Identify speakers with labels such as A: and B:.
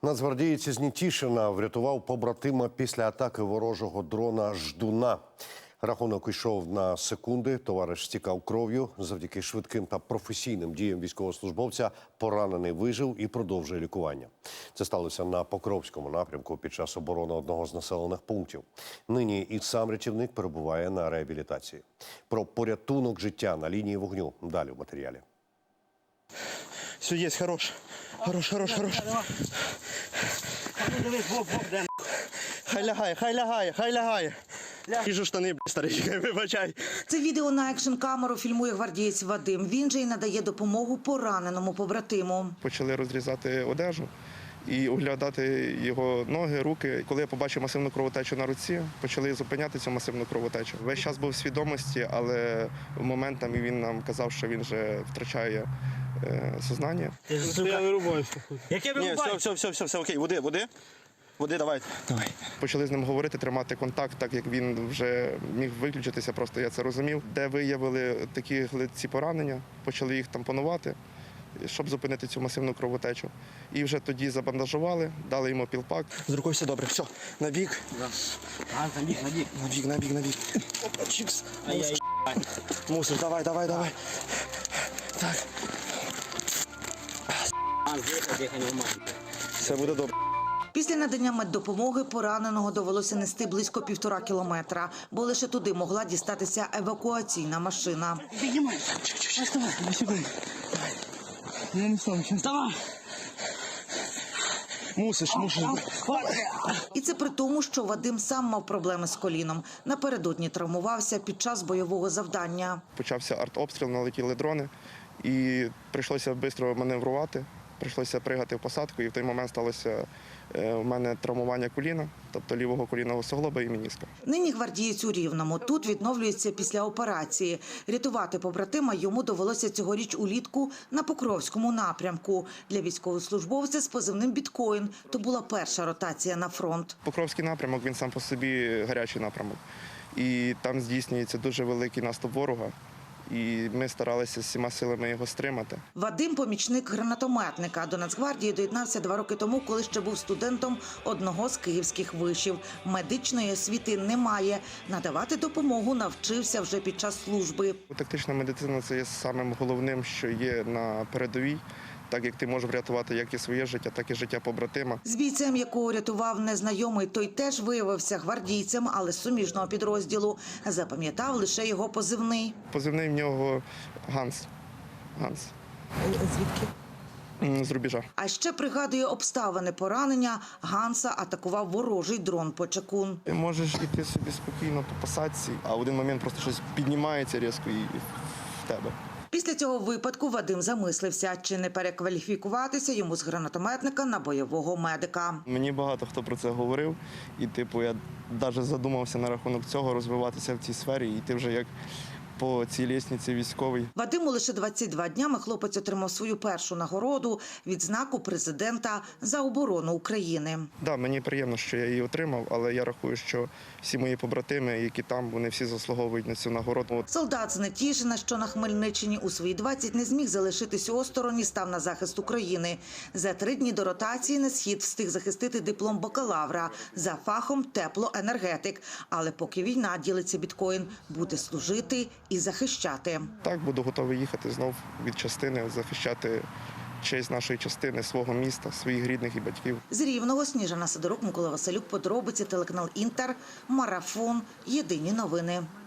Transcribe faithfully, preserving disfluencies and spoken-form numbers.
A: Нацгвардієць із Нетішина врятував побратима після атаки ворожого дрона «Ждуна». Рахунок йшов на секунди, товариш стікав кров'ю. Завдяки швидким та професійним діям військовослужбовця поранений вижив і продовжує лікування. Це сталося на Покровському напрямку під час оборони одного з населених пунктів. Нині і сам рятівник перебуває на реабілітації. Про порятунок життя на лінії вогню далі в матеріалі.
B: Все, є, хорош. Хорош, хорош, хорош. Хай лягає, хай лягає, хай лягає. Їжу штани, б**, старий, вибачай.
C: Це відео на екшн-камеру фільмує гвардієць Вадим. Він же й надає допомогу пораненому побратиму.
B: Почали розрізати одежу і оглядати його ноги, руки. Коли я побачив масивну кровотечу на руці, почали зупиняти цю масивну кровотечу. Весь час був в свідомості, але в момент там він нам казав, що він вже втрачає е, сознання.
D: Я не рубаюся. Яке ви рубаєте?
B: Все, все, все, все, все, окей, води, води. Води, давай. Давай. Почали з ним говорити, тримати контакт, так як він вже міг виключитися, просто я це розумів. Де виявили такі ці поранення, почали їх тампонувати, щоб зупинити цю масивну кровотечу. І вже тоді забандажували, дали йому пілпак. З рукою все добре. Все, на бік.
D: Да. А, на бік, на бік.
B: На бік, на бік, на бік. Опа, чікс. Мусиш, Мусиш, давай, давай, давай. Так.
D: А, дихай, дихай, нормально.
B: Все буде добре.
C: Після надання меддопомоги пораненого довелося нести близько півтора кілометра, бо лише туди могла дістатися евакуаційна машина.
D: Піднімай. Вставай, не сюди. Я не сам, вставай.
B: Мусиш, мусиш.
C: І це при тому, що Вадим сам мав проблеми з коліном. Напередодні травмувався під час бойового завдання.
B: Почався артобстріл, налетіли дрони і прийшлося швидко маневрувати. Прийшлося пригати в посадку, і в той момент сталося у мене травмування коліна, тобто лівого колінного суглоба і меніска.
C: Нині гвардієць у Рівному. Тут відновлюється після операції. Рятувати побратима йому довелося цьогоріч улітку на Покровському напрямку. Для військовослужбовця з позивним «Біткоін» то була перша ротація на фронт.
B: Покровський напрямок, він сам по собі гарячий напрямок. І там здійснюється дуже великий наступ ворога. І ми старалися всіма силами його стримати.
C: Вадим – помічник гранатометника. До Нацгвардії доєднався два роки тому, коли ще був студентом одного з київських вишів. Медичної освіти немає. Надавати допомогу навчився вже під час служби.
B: Тактична медицина – це є самим головним, що є на передовій. Так як ти можеш врятувати як і своє життя, так і життя побратима.
C: З бійцем, якого рятував незнайомий, той теж виявився гвардійцем, але з суміжного підрозділу. Запам'ятав лише його позивний.
B: Позивний в нього Ганс. Ганс.
C: Звідки?
B: З рубежа.
C: А ще пригадує обставини поранення. Ганса атакував ворожий дрон-почекун.
B: Ти можеш йти собі спокійно по посадці, а в один момент просто щось піднімається різко і в тебе.
C: Після цього випадку Вадим замислився, чи не перекваліфікуватися йому з гранатометника на бойового медика.
B: Мені багато хто про це говорив, і типу я навіть задумався на рахунок цього розвиватися в цій сфері, і йти вже як по цій лісниці військовій.
C: Вадиму лише двадцять два днями хлопець отримав свою першу нагороду – відзнаку президента за оборону України.
B: Так, да, мені приємно, що я її отримав, але я рахую, що всі мої побратими, які там, вони всі заслуговують на цю нагороду.
C: Солдат з Нетішина, що на Хмельниччині, у свої двадцять не зміг залишитись осторонь і став на захист України. За три дні до ротації на схід встиг захистити диплом бакалавра за фахом теплоенергетик. Але поки війна, ділиться «Біткоін», буде служити і захищати.
B: Так, буду готовий їхати знов від частини, захищати честь нашої частини, свого міста, своїх рідних і батьків.
C: З Рівного Сніжана Сидорук, Микола Василюк, подробиці, телеканал «Інтер», Марафон, Єдині новини.